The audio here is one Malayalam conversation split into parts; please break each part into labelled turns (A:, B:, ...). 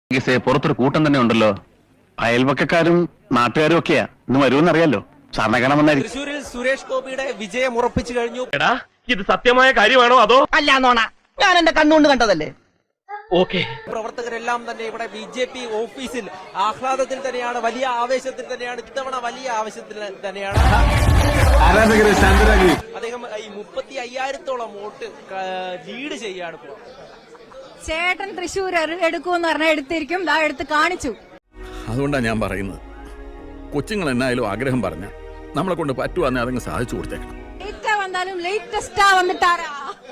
A: പുറത്തൊരു കൂട്ടം തന്നെ ഉണ്ടല്ലോ. അയൽവക്കക്കാരും നാട്ടുകാരും ഒക്കെയാ. ഇന്ന് വരുമെന്നറിയാലോ. സാറിനെ കാണാൻ വന്നായിരിക്കും.
B: തൃശ്ശൂരിൽ സുരേഷ് ഗോപിയുടെ വിജയം ഉറപ്പിച്ചു കഴിഞ്ഞു.
C: എടാ ഇത് സത്യമായ കാര്യമാണോ അതോ
D: അല്ല നോണ, ഞാൻ എന്റെ കണ്ണുകൊണ്ട് കണ്ടതല്ലേ.
C: ഓക്കെ.
B: പ്രവർത്തകരെല്ലാം തന്നെ ഇവിടെ BJP ഓഫീസിൽ ആഹ്ലാദത്തിൽ തന്നെയാണ്, വലിയ ആവേശത്തിൽ തന്നെയാണ്. ഇത്തവണ വലിയ ആവേശത്തിൽ തന്നെയാണ്. അദ്ദേഹം ഈ 35,000-ഓളം വോട്ട് ലീഡ് ചെയ്യാണ് ഇപ്പോൾ.
E: ചേട്ടൻ തൃശ്ശൂർ എടുക്കുമെന്ന് പറഞ്ഞാൽ എടുത്തിരിക്കും. എടുത്ത് കാണിച്ചു.
F: അതുകൊണ്ടാണ് ഞാൻ പറയുന്നത്, കൊച്ചുങ്ങൾ എന്നായാലും ആഗ്രഹം പറഞ്ഞ നമ്മളെ കൊണ്ട് പറ്റുവാന്നെ അതങ്ങ് സാധിച്ചു കൊടുത്തേക്കണം.
E: ലേറ്റാ വന്നാലും ലേറ്റസ്റ്റാ വന്നിട്ടാരാ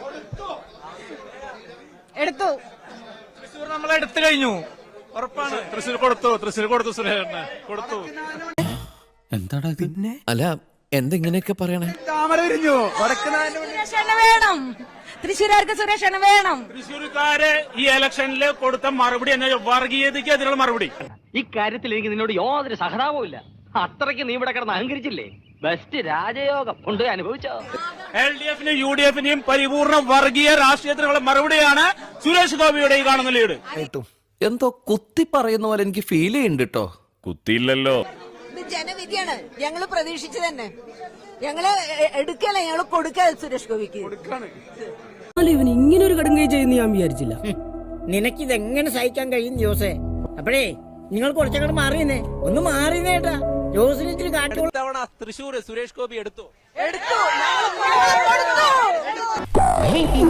E: എടുത്തു.
G: തൃശ്ശൂർ നമ്മൾ എടുത്തു കഴിഞ്ഞു, ഉറപ്പാണ്. തൃശ്ശൂർ കൊടുത്തു സുരേഷ് കൊടുത്തു.
H: എന്താടാ പിന്നെ? അല്ല എന്തെങ്ങനെയൊക്കെ പറയണേ?
E: സുരേഷ് വേണം, തൃശ്ശൂരുകാർക്ക് സുരേഷ് വേണം.
G: തൃശ്ശൂർക്കാര് ഈ ഇലക്ഷനിൽ കൊടുത്ത മറുപടി എന്ന വർഗീയതയ്ക്ക് അതിനുള്ള മറുപടി.
D: ഇക്കാര്യത്തിൽ എനിക്ക് നിന്നോട് യാതൊരു സഹതാപവും ഇല്ല. അത്രയ്ക്ക് നീ ഇവിടെ കിടന്ന് അഹങ്കരിച്ചില്ലേ. ബെസ്റ്റ് രാജയോഗം കൊണ്ട് അനുഭവിച്ചോ.
G: LDF-നും UDF-നും പരിപൂർണ വർഗീയ രാഷ്ട്രീയത്തിനുള്ള മറുപടിയാണ് സുരേഷ് ഗോപിയുടെ ഈ കാണുന്ന ലീഡ്.
H: എന്തോ കുത്തി പറയുന്ന പോലെ എനിക്ക് ഫീൽ ചെയ്യുന്നുണ്ട് കേട്ടോ.
F: കുത്തിയില്ലല്ലോ.
I: ജനവിധിയാണ്. ഞങ്ങള് പ്രതീക്ഷിച്ചു തന്നെ. ഞങ്ങള് എടുക്കല, ഞങ്ങള് കൊടുക്ക സുരേഷ് ഗോപിക്ക്.
D: ഇവൻ ഇങ്ങനെ ഒരു കടുങ്കൈ ചെയ്യുന്ന ഞാൻ വിചാരിച്ചില്ല. നിനക്കിതെങ്ങനെ സഹിക്കാൻ കഴിയും ജോസേ? അപ്പോഴേ നിങ്ങൾ കുറച്ചങ്ങോട്ട് മാറിയെന്നേ, ഒന്ന് മാറിയേട്ടാ. ജോസിന് ഇച്ചിരി കാട്ടി.
B: ഇത്തവണ തൃശ്ശൂർ സുരേഷ് ഗോപി എടുത്തു.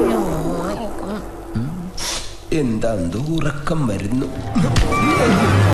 J: എന്താ ഉറക്കം വരുന്നു.